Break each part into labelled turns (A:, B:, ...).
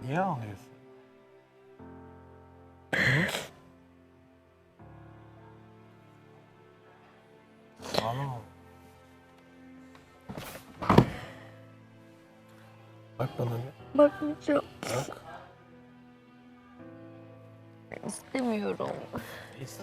A: Niye ağlıyorsun? Ağlama. Bak bana bir.
B: Bakmayacağım.
A: Bak.
B: İstemiyorum.
A: Neyse.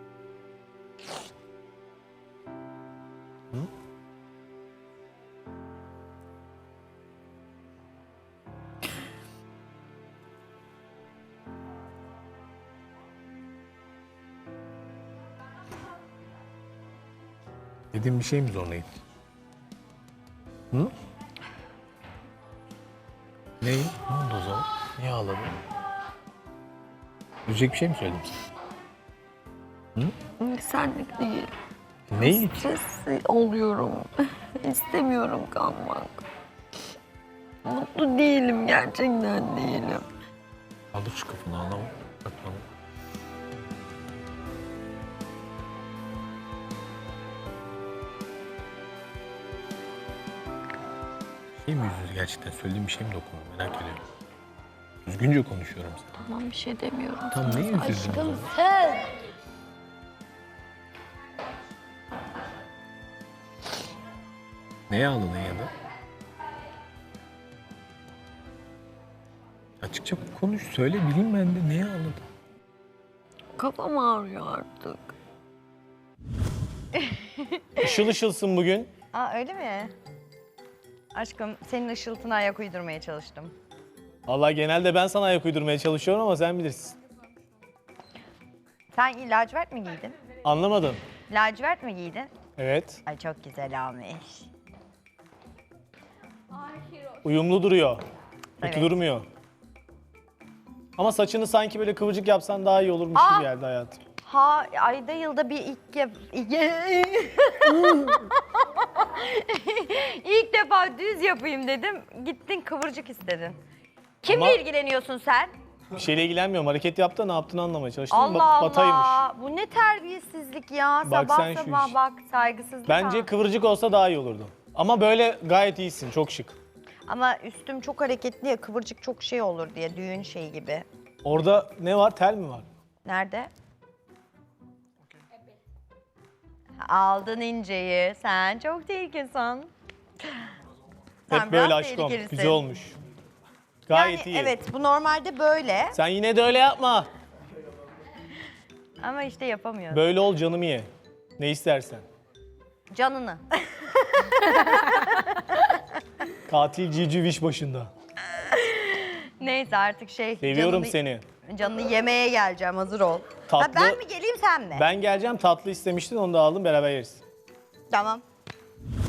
A: Dediğim bir şey mi zorlayayım? Hı? Neyi? Ne oldu o zaman? Niye ağladın? Üzecek bir şey mi söyledim sana?
B: Senlik değil.
A: Neyi?
B: Stres oluyorum. İstemiyorum kalmak. Mutlu değilim, gerçekten değilim.
A: Kaldır şu kafanı, ağlama. Bak bana. Şey mi yüzünüz gerçekten? Söylediğim bir şey mi dokunuyor? Merak ediyorum. Düzgünce konuşuyorum sana.
B: Tamam, bir şey demiyorum.
A: Tam
B: sana.
A: ne üzüldün o
B: Aşkım
A: zaman?
B: sen.
A: Neye ağladın ya da? Açıkça konuş, söyle bileyim ben de neye ağladın?
B: Kafam ağrıyor artık.
C: Işıl ışılsın bugün.
D: Aa öyle mi? Aşkım senin ışıltına ayak uydurmaya çalıştım.
C: Vallahi genelde ben sana ayak uydurmaya çalışıyorum ama sen bilirsin.
D: Sen lacivert mi giydin?
C: Anlamadım.
D: Lacivert mi giydin?
C: Evet.
D: Ay çok güzel olmuş.
C: Uyumlu duruyor. Kötü
D: Evet.
C: durmuyor. Ama saçını sanki böyle kıvırcık yapsan daha iyi olurmuş gibi geldi hayatım.
D: Ha ayda yılda bir ilk defa düz yapayım dedim. Gittin kıvırcık istedin. Kimle
C: Ama-
D: ilgileniyorsun sen?
C: Bir şeyle ilgilenmiyorum. Hareket yaptı da ne yaptığını anlamaya çalıştım.
D: Allah
C: Bataymış.
D: Allah. Bu ne terbiyesizlik ya.
C: Bak
D: Sabah
C: sen şu
D: sabah
C: iş.
D: bak saygısızlık.
C: Bence
D: ha.
C: kıvırcık olsa daha iyi olurdu. Ama böyle gayet iyisin. Çok şık.
D: Ama üstüm çok hareketli ya kıvırcık çok şey olur diye düğün şeyi gibi.
C: Orada ne var? Tel mi var?
D: Nerede? Aldın inceyi. Sen çok tehlikelisin. Sen
C: Hep böyle
D: biraz
C: aşkım.
D: tehlikelisin.
C: Güzel olmuş. Gayet
D: Yani
C: iyi.
D: evet bu normalde böyle
C: Sen yine de öyle yapma.
D: ama işte yapamıyorum.
C: Böyle ol canımı ye. Ne istersen.
D: Canını.
C: Katil Cici Viş başında.
D: Neyse artık şey.
C: Seviyorum
D: canını-
C: seni.
D: Canını yemeye geleceğim hazır ol.
C: Tatlı-
D: Ha, ben mi geleyim sen mi?
C: Ben geleceğim tatlı istemiştin onu da aldım beraber yeriz.
D: Tamam.